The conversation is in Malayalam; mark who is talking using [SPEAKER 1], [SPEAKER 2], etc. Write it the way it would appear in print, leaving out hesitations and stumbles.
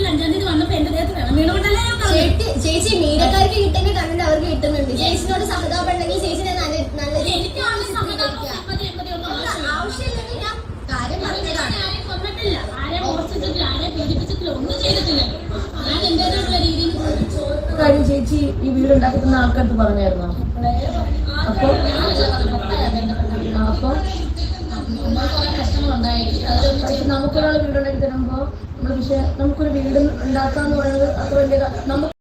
[SPEAKER 1] വീട്ടിൽ 5-ാം തീയതി വന്നപ്പോ എന്റെ ദേഹത്ത് വേണം വീണുകൊണ്ടല്ലേ ഞാൻ പറഞ്ഞു.
[SPEAKER 2] ചേച്ചി മീഡിയക്കാർക്ക് കിട്ടുന്ന കണ്ടന്റ് അവർക്ക് കിട്ടുന്നുണ്ട്. ചേച്ചിനോട് സഹതാപം ഉണ്ടെങ്കിൽ ചേച്ചിനെ നല്ല
[SPEAKER 1] എനിക്ക്
[SPEAKER 2] ആവശ്യമില്ലെങ്കിൽ ഞാൻ കാര്യം പറഞ്ഞതാണ്.
[SPEAKER 1] ആരെയും കൊന്നിട്ടില്ല, ആരെയും ഓർച്ചിട്ടില്ല, ആരെയും പീഡിപ്പിച്ചിട്ടില്ല, ഒന്നും ചെയ്തിട്ടില്ല. ഞാൻ എന്റേതായിട്ടുള്ള രീതിയിൽ
[SPEAKER 3] കാര്യം ചേച്ചി ഈ വീട് ഉണ്ടാക്കുന്ന ആൾക്കാർക്ക് പറഞ്ഞായിരുന്നോ? അപ്പൊ നമുക്കൊരാൾ വീടുണ്ടാക്കി തരുമ്പോ നമ്മള് നമുക്കൊരു വീട് ഉണ്ടാക്കാന്ന് പറയുന്നത് അത് വലിയ നമുക്ക്